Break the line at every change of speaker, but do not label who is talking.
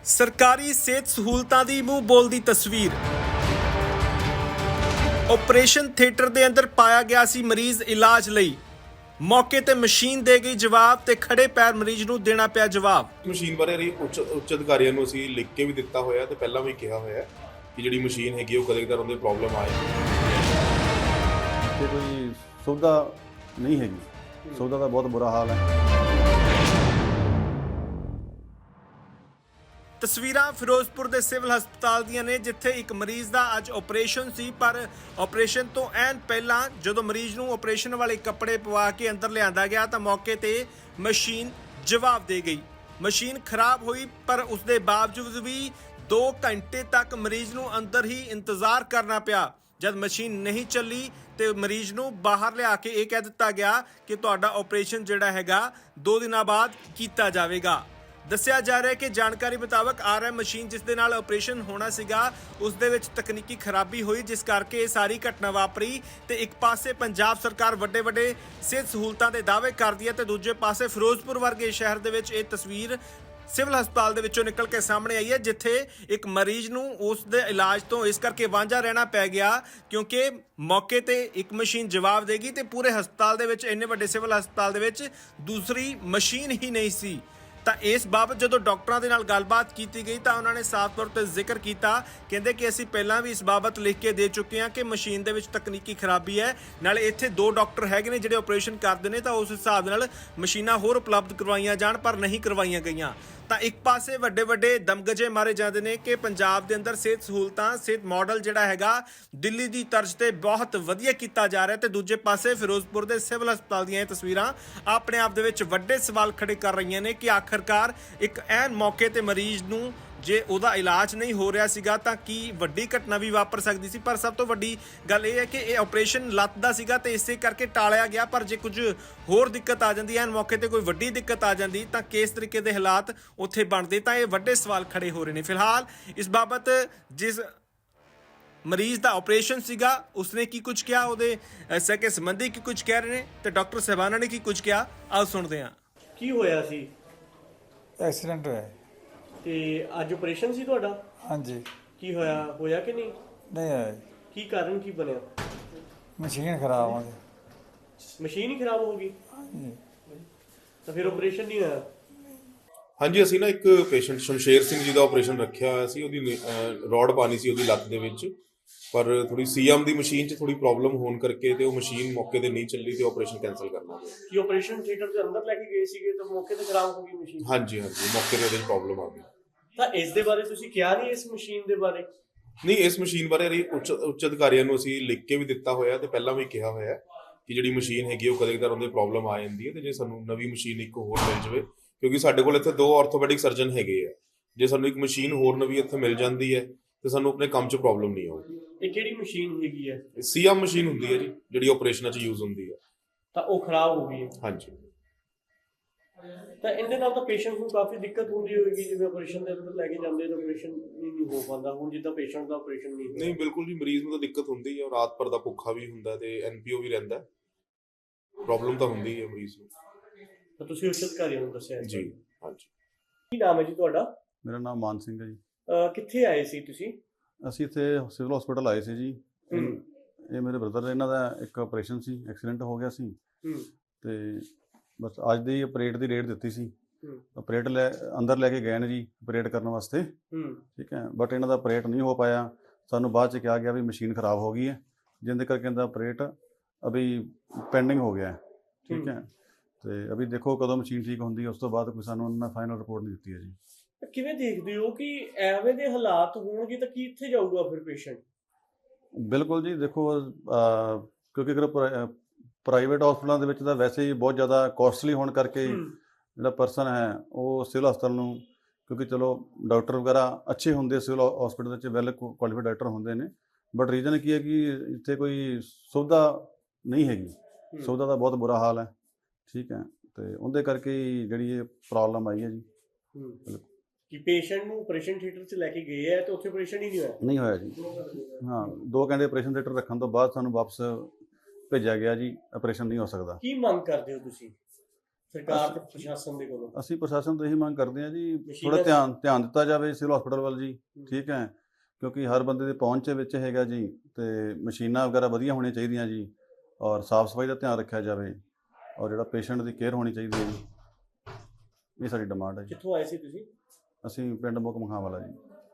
ਸਰਕਾਰੀ ਸਿਹਤ ਸਹੂਲਤਾਂ ਦੀ ਮੂੰਹ ਬੋਲਦੀ ਤਸਵੀਰ। ਆਪਰੇਸ਼ਨ ਥੀਏਟਰ ਦੇ ਅੰਦਰ ਪਾਇਆ ਗਿਆ ਸੀ ਮਰੀਜ਼ ਇਲਾਜ ਲਈ। ਮੌਕੇ ਤੇ ਮਸ਼ੀਨ ਦੇ ਗਈ ਜਵਾਬ ਤੇ ਖੜੇ ਪੈਰ ਮਰੀਜ਼ ਨੂੰ ਦੇਣਾ ਪਿਆ ਜਵਾਬ।
ਮਸ਼ੀਨ ਬਾਰੇ ਅਸੀਂ ਉੱਚ ਅਧਿਕਾਰੀਆਂ ਨੂੰ ਅਸੀਂ ਲਿਖ ਕੇ ਵੀ ਦਿੱਤਾ ਹੋਇਆ ਤੇ ਪਹਿਲਾਂ ਵੀ ਕਿਹਾ ਹੋਇਆ ਕਿ ਜਿਹੜੀ ਮਸ਼ੀਨ ਹੈਗੀ ਉਹ ਕਦੇ-ਕਦੇ ਉਹਦੇ ਪ੍ਰੋਬਲਮ ਆਏ।
ਇੱਥੇ ਕੋਈ ਸੁਵਿਧਾ ਨਹੀਂ ਹੈਗੀ, ਸੁਵਿਧਾ ਦਾ ਬਹੁਤ ਬੁਰਾ ਹਾਲ ਹੈ।
ਤਸਵੀਰਾਂ ਫਿਰੋਜ਼ਪੁਰ ਦੇ ਸਿਵਲ ਹਸਪਤਾਲ ਦੀਆਂ ਨੇ, ਜਿੱਥੇ ਇੱਕ ਮਰੀਜ਼ ਦਾ ਅੱਜ ਆਪਰੇਸ਼ਨ ਸੀ, ਪਰ ਆਪਰੇਸ਼ਨ ਤੋਂ ਐਨ ਪਹਿਲਾਂ ਜਦੋਂ ਮਰੀਜ਼ ਨੂੰ ਆਪਰੇਸ਼ਨ ਵਾਲੇ ਕੱਪੜੇ ਪਵਾ ਕੇ ਅੰਦਰ ਲਿਆਂਦਾ ਗਿਆ ਤਾਂ ਮੌਕੇ ਤੇ ਮਸ਼ੀਨ ਜਵਾਬ ਦੇ ਗਈ। ਮਸ਼ੀਨ ਖਰਾਬ ਹੋਈ, ਪਰ ਉਸ ਦੇ ਬਾਵਜੂਦ ਵੀ 2 ਘੰਟੇ ਤੱਕ ਮਰੀਜ਼ ਨੂੰ ਅੰਦਰ ਹੀ ਇੰਤਜ਼ਾਰ ਕਰਨਾ ਪਿਆ। ਜਦ ਮਸ਼ੀਨ ਨਹੀਂ ਚੱਲੀ ਤੇ ਮਰੀਜ਼ ਨੂੰ ਬਾਹਰ ਲਿਆ ਕੇ ਇਹ ਕਹਿ ਦਿੱਤਾ ਗਿਆ ਕਿ ਤੁਹਾਡਾ ਆਪਰੇਸ਼ਨ ਜਿਹੜਾ ਹੈਗਾ 2 ਦਿਨਾਂ ਬਾਅਦ ਕੀਤਾ ਜਾਵੇਗਾ। ਦੱਸਿਆ ਜਾ ਰਿਹਾ ਹੈ ਕਿ ਜਾਣਕਾਰੀ ਮੁਤਾਬਕ RM ਮਸ਼ੀਨ ਜਿਸ ਦੇ ਨਾਲ ਆਪਰੇਸ਼ਨ ਹੋਣਾ ਸੀਗਾ ਉਸ ਦੇ ਵਿੱਚ ਤਕਨੀਕੀ ਖਰਾਬੀ ਹੋਈ, ਜਿਸ ਕਰਕੇ ਇਹ ਸਾਰੀ ਘਟਨਾ ਵਾਪਰੀ। ਤੇ ਇੱਕ ਪਾਸੇ ਪੰਜਾਬ ਸਰਕਾਰ ਵੱਡੇ ਸਿਹਤ ਸਹੂਲਤਾਂ ਦੇ ਦਾਅਵੇ ਕਰਦੀ ਹੈ ਤੇ ਦੂਜੇ ਪਾਸੇ ਫਿਰੋਜ਼ਪੁਰ ਵਰਗੇ ਸ਼ਹਿਰ ਦੇ ਵਿੱਚ ਇਹ ਤਸਵੀਰ ਸਿਵਲ ਹਸਪਤਾਲ ਦੇ ਵਿੱਚੋਂ ਨਿਕਲ ਕੇ ਸਾਹਮਣੇ ਆਈ ਹੈ, ਜਿੱਥੇ ਇੱਕ ਮਰੀਜ਼ ਨੂੰ ਉਸ ਦੇ ਇਲਾਜ ਤੋਂ ਇਸ ਕਰਕੇ ਵਾਂਝਾ ਰਹਿਣਾ ਪੈ ਗਿਆ ਕਿਉਂਕਿ ਮੌਕੇ ਤੇ ਇੱਕ ਮਸ਼ੀਨ ਜਵਾਬ ਦੇਗੀ ਤੇ ਪੂਰੇ ਹਸਪਤਾਲ ਦੇ ਵਿੱਚ, ਇੰਨੇ ਵੱਡੇ ਸਿਵਲ ਹਸਪਤਾਲ ਦੇ ਵਿੱਚ ਦੂਸਰੀ ਮਸ਼ੀਨ ਹੀ ਨਹੀਂ ਸੀ। ਤਾਂ ਇਸ ਬਾਬਤ ਜਦੋਂ ਡਾਕਟਰਾਂ ਦੇ ਨਾਲ ਗੱਲਬਾਤ ਕੀਤੀ ਗਈ ਤਾਂ ਉਹਨਾਂ ਨੇ ਸਾਫ਼ ਤੌਰ ਤੇ ਜ਼ਿਕਰ ਕੀਤਾ, ਕਹਿੰਦੇ ਕਿ ਅਸੀਂ ਪਹਿਲਾਂ ਵੀ ਇਸ ਬਾਬਤ ਲਿਖ ਕੇ ਦੇ ਚੁੱਕੇ ਹਾਂ ਕਿ ਮਸ਼ੀਨ ਦੇ ਵਿੱਚ ਤਕਨੀਕੀ ਖਰਾਬੀ ਹੈ, ਨਾਲੇ ਇੱਥੇ 2 ਡਾਕਟਰ ਹੈਗੇ ਨੇ ਜਿਹੜੇ ਆਪਰੇਸ਼ਨ ਕਰਦੇ ਨੇ, ਤਾਂ ਉਸ ਹਿਸਾਬ ਨਾਲ ਮਸ਼ੀਨਾਂ ਹੋਰ ਉਪਲਬਧ ਕਰਵਾਈਆਂ ਜਾਣ, ਪਰ ਨਹੀਂ ਕਰਵਾਈਆਂ ਗਈਆਂ। ਤਾਂ ਇੱਕ ਪਾਸੇ ਵੱਡੇ ਦਮਗਜੇ ਮਾਰੇ ਜਾਂਦੇ ਨੇ ਕਿ ਪੰਜਾਬ ਦੇ ਅੰਦਰ ਸਿਹਤ ਸਹੂਲਤਾਂ, ਸਿਹਤ ਮਾਡਲ ਜਿਹੜਾ ਹੈਗਾ ਦਿੱਲੀ ਦੀ ਤਰਜ਼ ਤੇ ਬਹੁਤ ਵਧੀਆ ਕੀਤਾ ਜਾ ਰਿਹਾ, ਤੇ ਦੂਜੇ ਪਾਸੇ ਫਿਰੋਜ਼ਪੁਰ ਦੇ ਸਿਵਲ ਹਸਪਤਾਲ ਦੀਆਂ ਇਹ ਤਸਵੀਰਾਂ ਆਪਣੇ ਆਪ ਦੇ ਵਿੱਚ ਵੱਡੇ ਸਵਾਲ ਖੜੇ ਕਰ ਰਹੀਆਂ ਨੇ ਕਿ ਆਖਰਕਾਰ ਇੱਕ ਐਨ ਮੌਕੇ ਤੇ ਮਰੀਜ਼ ਨੂੰ ਜੇ ਉਹਦਾ ਇਲਾਜ ਨਹੀਂ ਹੋ ਰਿਹਾ ਸੀਗਾ ਤਾਂ ਕੀ ਵੱਡੀ ਘਟਨਾ ਵੀ ਵਾਪਰ ਸਕਦੀ ਸੀ। ਪਰ ਸਭ ਤੋਂ ਵੱਡੀ ਗੱਲ ਇਹ ਹੈ ਕਿ ਇਹ ਆਪਰੇਸ਼ਨ ਲੱਤ ਦਾ ਸੀਗਾ ਤੇ ਇਸੇ ਕਰਕੇ ਟਾਲਿਆ ਗਿਆ, ਪਰ ਜੇ ਕੁਝ ਹੋਰ ਦਿੱਕਤ ਆ ਜਾਂਦੀ ਹੈ, ਮੌਕੇ ਤੇ ਕੋਈ ਵੱਡੀ ਦਿੱਕਤ ਆ ਜਾਂਦੀ ਤਾਂ ਕਿਸ ਤਰੀਕੇ ਦੇ ਹਾਲਾਤ ਉੱਥੇ ਬਣਦੇ, ਤਾਂ ਇਹ ਵੱਡੇ ਸਵਾਲ ਖੜੇ ਹੋ ਰਹੇ ਨੇ। ਫਿਲਹਾਲ ਇਸ ਬਾਬਤ ਜਿਸ ਮਰੀਜ਼ ਦਾ ਆਪਰੇਸ਼ਨ ਸੀਗਾ ਉਸਨੇ ਕੀ ਕੁਝ ਕਿਹਾ, ਉਹਦੇ ਸਕੇ ਸੰਬੰਧੀ ਕੀ ਕੁਝ ਕਹਿ ਰਹੇ ਨੇ ਤੇ ਡਾਕਟਰ ਸਾਹਿਬਾਨਾਂ ਨੇ ਕੀ ਕੁਝ ਕਿਹਾ, ਆਓ ਸੁਣਦੇ ਹਾਂ।
ਕੀ ਹੋਇਆ ਸੀ?
ਐਕਸੀਡੈਂਟ ਹੋਇਆ।
ਤੇ ਅੱਜ ਆਪਰੇਸ਼ਨ ਸੀ ਤੁਹਾਡਾ?
ਹਾਂਜੀ।
ਕੀ ਹੋਇਆ ਕਿ ਨਹੀਂ?
ਨਹੀਂ ਹੋਇਆ ਜੀ।
ਕੀ ਕਾਰਨ ਕੀ ਬਣਿਆ?
ਮਸ਼ੀਨ ਖਰਾਬ ਹੋ ਗਈ।
ਮਸ਼ੀਨ ਹੀ ਖਰਾਬ ਹੋ ਗਈ?
ਹਾਂਜੀ।
ਤਾਂ ਫਿਰ ਆਪਰੇਸ਼ਨ ਨਹੀਂ ਹੋਇਆ?
ਹਾਂਜੀ, ਅਸੀਂ ਨਾ ਇੱਕ ਪੇਸ਼ੈਂਟ ਸ਼ਮਸ਼ੇਰ ਸਿੰਘ ਜੀ ਦਾ ਆਪਰੇਸ਼ਨ ਰੱਖਿਆ ਹੋਇਆ ਸੀ। ਉਹਦੀ ਰੋਡ ਪਾਣੀ ਸੀ ਉਹਦੀ ਲੱਤ ਦੇ ਵਿੱਚ, ਪਰ ਥੋੜੀ CM ਦੀ ਮਸ਼ੀਨ 'ਚ ਥੋੜੀ ਪ੍ਰੋਬਲਮ ਹੋਣ ਕਰਕੇ ਤੇ ਉਹ ਮਸ਼ੀਨ ਮੌਕੇ ਤੇ ਨਹੀਂ ਚੱਲੀ ਤੇ ਆਪਰੇਸ਼ਨ ਕੈਨਸਲ ਕਰਨਾ ਪਿਆ।
ਕੀ ਆਪਰੇਸ਼ਨ ਥੀਏਟਰ ਦੇ ਅੰਦਰ ਲੈ ਕੇ ਗਏ ਸੀਗੇ ਤਾਂ ਮੌਕੇ ਤੇ ਖਰਾਬ ਹੋ ਗਈ ਮਸ਼ੀਨ?
ਹਾਂਜੀ, ਮੌਕੇ ਤੇ ਉਹਦੇ 'ਚ ਪ੍ਰੋਬਲਮ ਆ ਗਈ।
ਤਾਂ ਇਸ ਦੇ ਬਾਰੇ ਤੁਸੀਂ ਕਿਹਾ ਨਹੀਂ, ਇਸ ਮਸ਼ੀਨ ਦੇ ਬਾਰੇ?
ਨਹੀਂ, ਇਸ ਮਸ਼ੀਨ ਬਾਰੇ ਅਸੀਂ ਉੱਚ ਅਧਿਕਾਰੀਆਂ ਨੂੰ ਅਸੀਂ ਲਿਖ ਕੇ ਵੀ ਦਿੱਤਾ ਹੋਇਆ ਤੇ ਪਹਿਲਾਂ ਵੀ ਕਿਹਾ ਹੋਇਆ ਕਿ ਜਿਹੜੀ ਮਸ਼ੀਨ ਹੈਗੀ ਉਹ ਕਦੇ-ਕਦੇ ਉਹਦੇ ਪ੍ਰੋਬਲਮ ਆ ਜਾਂਦੀ ਹੈ ਤੇ ਜੇ ਸਾਨੂੰ ਨਵੀਂ ਮਸ਼ੀਨ ਇੱਕ ਹੋਰ ਮਿਲ ਜਾਵੇ, ਕਿਉਂਕਿ ਸਾਡੇ ਕੋਲ ਇੱਥੇ 2 ਆਰਥੋਪੈਡਿਕ ਸਰਜਨ ਹੈਗੇ ਆ, ਜੇ ਸਾਨੂੰ ਇੱਕ ਮਸ਼ੀਨ ਹੋਰ ਨਵੀਂ ਇੱਥੇ ਮਿਲ ਜਾਂਦੀ ਹੈ ਤੇ ਸਾਨੂੰ ਆਪਣੇ ਕੰਮ 'ਚ ਪ੍ਰੋਬਲਮ ਨਹੀਂ ਆਊਗੀ।
ਇਹ ਕਿਹੜੀ ਮਸ਼ੀਨ ਹੈਗੀ ਹੈ?
CM ਮਸ਼ੀਨ ਹੁੰਦੀ ਹੈ ਜੀ, ਜਿਹੜੀ ਆਪਰੇਸ਼ਨਾਂ 'ਚ ਯੂਜ਼ ਹੁੰਦੀ ਹੈ।
ਤਾਂ ਉਹ ਖਰਾਬ ਹੋ ਗਈ ਹੈ?
ਹਾਂਜੀ।
ਤਾਂ ਇਹਦੇ ਨਾਲ ਤਾਂ ਪੇਸ਼ੈਂਟ ਨੂੰ ਕਾਫੀ ਦਿੱਕਤ ਹੁੰਦੀ ਹੋਏਗੀ, ਜਿਵੇਂ ਆਪਰੇਸ਼ਨ ਦੇ ਅੰਦਰ ਲੈ ਕੇ ਜਾਂਦੇ ਤਾਂ ਆਪਰੇਸ਼ਨ ਨਹੀਂ ਹੋ ਪਾਉਂਦਾ, ਹੁਣ ਜਿੱਦਾਂ ਪੇਸ਼ੈਂਟ ਦਾ ਆਪਰੇਸ਼ਨ ਨਹੀਂ?
ਨਹੀਂ, ਬਿਲਕੁਲ ਜੀ, ਮਰੀਜ਼ ਨੂੰ ਤਾਂ ਦਿੱਕਤ ਹੁੰਦੀ ਹੈ, ਰਾਤ ਭਰ ਦਾ ਭੁੱਖਾ ਵੀ ਹੁੰਦਾ ਤੇ NPO ਵੀ ਰਹਿੰਦਾ, ਪ੍ਰੋਬਲਮ ਤਾਂ ਹੁੰਦੀ ਹੈ ਮਰੀਜ਼ ਨੂੰ।
ਤਾਂ ਤੁਸੀਂ ਉੱਚ ਅਧਿਕਾਰੀਆਂ ਨੂੰ ਦੱਸਿਆ
ਜੀ? ਹਾਂਜੀ।
ਕੀ ਨਾਮ ਹੈ ਜੀ ਤੁਹਾਡਾ?
ਮੇਰਾ ਨਾਮ ਮਾਨ ਸਿੰਘ ਹੈ ਜੀ।
ਕਿੱਥੇ ਆਏ ਸੀ ਤੁਸੀਂ?
ਅਸੀਂ ਇੱਥੇ ਸਿਵਲ ਹਸਪੀਟਲ ਆਏ ਸੀ ਜੀ। ਇਹ ਮੇਰੇ ਬ੍ਰਦਰ, ਇਹਨਾਂ ਦਾ ਇੱਕ ਆਪਰੇਸ਼ਨ ਸੀ, ਐਕਸੀਡੈਂਟ ਹੋ ਗਿਆ ਸੀ ਤੇ ਬਸ ਅੱਜ ਦੀ ਆਪਰੇਟ ਦੀ ਡੇਟ ਦਿੱਤੀ ਸੀ। ਆਪਰੇਟ ਅੰਦਰ ਲੈ ਕੇ ਗਏ ਨੇ ਜੀ ਆਪਰੇਟ ਕਰਨ ਵਾਸਤੇ, ਠੀਕ ਹੈ, ਬਟ ਇਹਨਾਂ ਦਾ ਆਪਰੇਟ ਨਹੀਂ ਹੋ ਪਾਇਆ। ਸਾਨੂੰ ਬਾਅਦ 'ਚ ਕਿਹਾ ਗਿਆ ਵੀ ਮਸ਼ੀਨ ਖਰਾਬ ਹੋ ਗਈ ਹੈ, ਜਿਹਦੇ ਕਰਕੇ ਇਹਦਾ ਆਪਰੇਟ ਅਭੀ ਪੈਂਡਿੰਗ ਹੋ ਗਿਆ ਹੈ, ਠੀਕ ਹੈ। ਤੇ ਅਭੀ ਦੇਖੋ ਕਦੋਂ ਮਸ਼ੀਨ ਠੀਕ ਹੁੰਦੀ ਹੈ, ਉਸ ਤੋਂ ਬਾਅਦ ਕੋਈ ਸਾਨੂੰ ਉਹਨਾਂ ਨੇ ਫਾਈਨਲ ਰਿਪੋਰਟ ਨਹੀਂ ਦਿੱਤੀ ਹੈ ਜੀ।
ਕਿਵੇਂ ਦੇਖਦੇ ਹੋ ਕਿ ਐਵੇਂ ਦੇ ਹਾਲਾਤ ਹੋਣਗੇ ਤਾਂ ਕਿੱਥੇ ਜਾਊਗਾ ਫਿਰ ਪੇਸ਼ੈਂਟ?
ਬਿਲਕੁਲ ਜੀ, ਦੇਖੋ ਕਿਉਂਕਿ ਅਗਰ ਪ੍ਰਾਈਵੇਟ ਹਸਪਤਾਲਾਂ ਦੇ ਵਿੱਚ ਤਾਂ ਵੈਸੇ ਹੀ ਬਹੁਤ ਜ਼ਿਆਦਾ ਕੋਸਟਲੀ ਹੋਣ ਕਰਕੇ ਜਿਹੜਾ ਪਰਸਨ ਹੈ ਉਹ ਸਿਵਲ ਹਸਪਤਾਲ ਨੂੰ, ਕਿਉਂਕਿ ਚਲੋ ਡਾਕਟਰ ਵਗੈਰਾ ਅੱਛੇ ਹੁੰਦੇ ਸਿਵਲ ਹਸਪਤਾਲ ਵਿੱਚ, ਵੈਲ ਕੁਆਲੀਫਾਈਡ ਡਾਕਟਰ ਹੁੰਦੇ ਨੇ, ਬਟ ਰੀਜ਼ਨ ਕੀ ਹੈ ਕਿ ਇੱਥੇ ਕੋਈ ਸੁਵਿਧਾ ਨਹੀਂ ਹੈਗੀ, ਸੁਵਿਧਾ ਦਾ ਬਹੁਤ ਬੁਰਾ ਹਾਲ ਹੈ, ਠੀਕ ਹੈ। ਤੇ ਉਹਦੇ ਕਰਕੇ ਹੀ ਜਿਹੜੀ ਇਹ ਪ੍ਰੋਬਲਮ ਆਈ ਹੈ ਜੀ।
ਕਿ ਪੇਸ਼ੈਂਟ ਨੂੰ ਆਪਰੇਸ਼ਨ ਥੀਏਟਰ 'ਚ ਲੈ ਕੇ ਗਏ ਹੈ ਤੇ ਉੱਥੇ ਆਪਰੇਸ਼ਨ ਹੀ
ਨਹੀਂ ਹੋਇਆ ਜੀ। ਹਾਂ, 2 ਘੰਟੇ ਆਪਰੇਸ਼ਨ ਥੀਏਟਰ ਰੱਖਣ ਤੋਂ ਬਾਅਦ ਸਾਨੂੰ ਵਾਪਸ ਭੇਜਿਆ ਗਿਆ ਜੀ, ਆਪਰੇਸ਼ਨ ਨਹੀਂ ਹੋ ਸਕਦਾ।
ਕੀ ਮੰਗ ਕਰਦੇ ਹੋ ਤੁਸੀਂ ਸਰਕਾਰ ਤੇ ਪ੍ਰਸ਼ਾਸਨ ਦੇ ਕੋਲੋਂ?
ਅਸੀਂ ਪ੍ਰਸ਼ਾਸਨ ਤੋਂ ਇਹੀ ਮੰਗ ਕਰਦੇ ਹਾਂ ਜੀ,
ਮਸ਼ੀਨਾਂ
ਥੋੜਾ ਧਿਆਨ ਦਿੱਤਾ ਜਾਵੇ ਸਿਵਲ ਹਸਪੀਟਲ ਵੱਲ ਜੀ। ਠੀਕ ਹੈ, ਕਿਉਂਕਿ ਹਰ ਬੰਦੇ ਦੇ ਪਹੁੰਚ ਵਿੱਚ ਹੈਗਾ ਜੀ, ਤੇ ਮਸ਼ੀਨਾਂ ਵਗੈਰਾ ਵਧੀਆ ਹੋਣੀਆਂ ਚਾਹੀਦੀਆਂ ਜੀ, ਔਰ ਸਾਫ਼ ਸਫਾਈ ਦਾ ਧਿਆਨ ਰੱਖਿਆ ਜਾਵੇ, ਔਰ ਜਿਹੜਾ ਪੇਸ਼ੈਂਟ ਦੀ ਕੇਅਰ ਹੋਣੀ ਚਾਹੀਦੀ ਹੈ ਜੀ। ਇਹ ਸਾਡੀ ਡਿਮਾਂਡ ਹੈ ਜੀ।
ਕਿੱਥੋਂ ਆਏ ਸੀ ਤੁਸੀਂ?
ਅਸੀਂ ਪਿੰਡ ਮੁਕਮਖਾਂ ਵਾਲਾ ਜੀ।